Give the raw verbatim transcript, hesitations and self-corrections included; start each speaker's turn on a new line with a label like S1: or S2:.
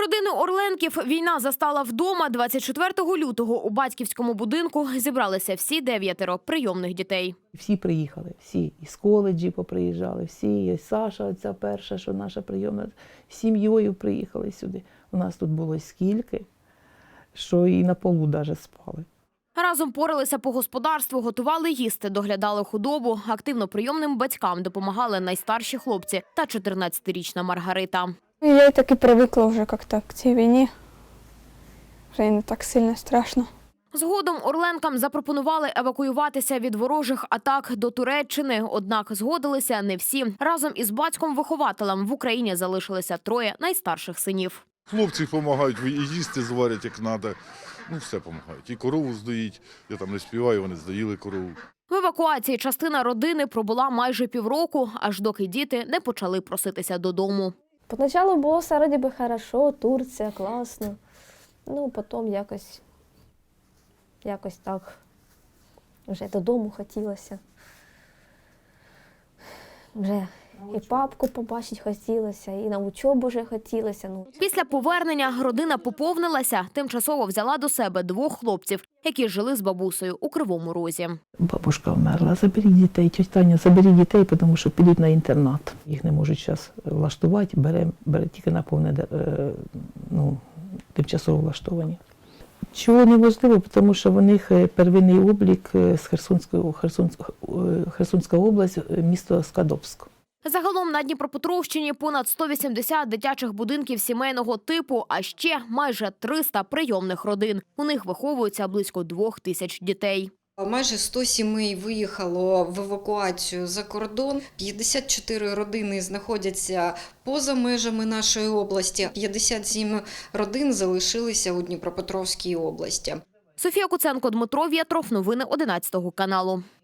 S1: Родину Орленків війна застала вдома. двадцять четвертого лютого у батьківському будинку зібралися всі дев'ятеро прийомних дітей.
S2: Всі приїхали, всі. Із коледжі поприїжджали, всі. І Саша, ця перша, що наша прийомна, з сім'єю приїхали сюди. У нас тут було скільки, що і на полу навіть спали.
S1: Разом поралися по господарству, готували їсти, доглядали худобу. Активно прийомним батькам допомагали найстарші хлопці та чотирнадцятирічна Маргарита.
S3: Я так і привикла вже як-то к цій війні. Вже не так сильно страшно.
S1: Згодом Орленкам запропонували евакуюватися від ворожих атак до Туреччини. Однак згодилися не всі. Разом із батьком-вихователем в Україні залишилися троє найстарших синів.
S4: Хлопці допомагають, і їсти зварять, як треба. Ну, все допомагають. І корову здоїть. Я там не співаю, вони здоїли корову.
S1: В евакуації частина родини пробула майже півроку, аж доки діти не почали проситися додому.
S5: Поначалу було все вроді би хорошо, Турція, класно. Ну, потім якось, якось так, вже додому хотілося. Вже і папку побачити хотілося, і на учобу вже хотілося. Ну.
S1: Після повернення родина поповнилася, тимчасово взяла до себе двох хлопців, які жили з бабусею у Кривому Розі.
S2: Бабушка вмерла, заберіть дітей, тьотя Таня, заберіть дітей, тому що підуть на інтернат. Їх не можуть зараз влаштувати, бере, бере тільки на повне, ну, тимчасово влаштовані. Чого неможливо, тому що в них первинний облік з Херсонської, Херсонська, Херсонська область, місто Скадовськ.
S1: Загалом на Дніпропетровщині понад сто вісімдесят дитячих будинків сімейного типу, а ще майже триста прийомних родин. У них виховується близько двох тисяч дітей.
S6: Майже сто сімей виїхало в евакуацію за кордон, п'ятдесят чотири родини знаходяться поза межами нашої області, п'ятдесят сім родин залишилися у Дніпропетровській області.
S1: Софія Куценко, Дмитро Вєтров. Новини одинадцятого каналу.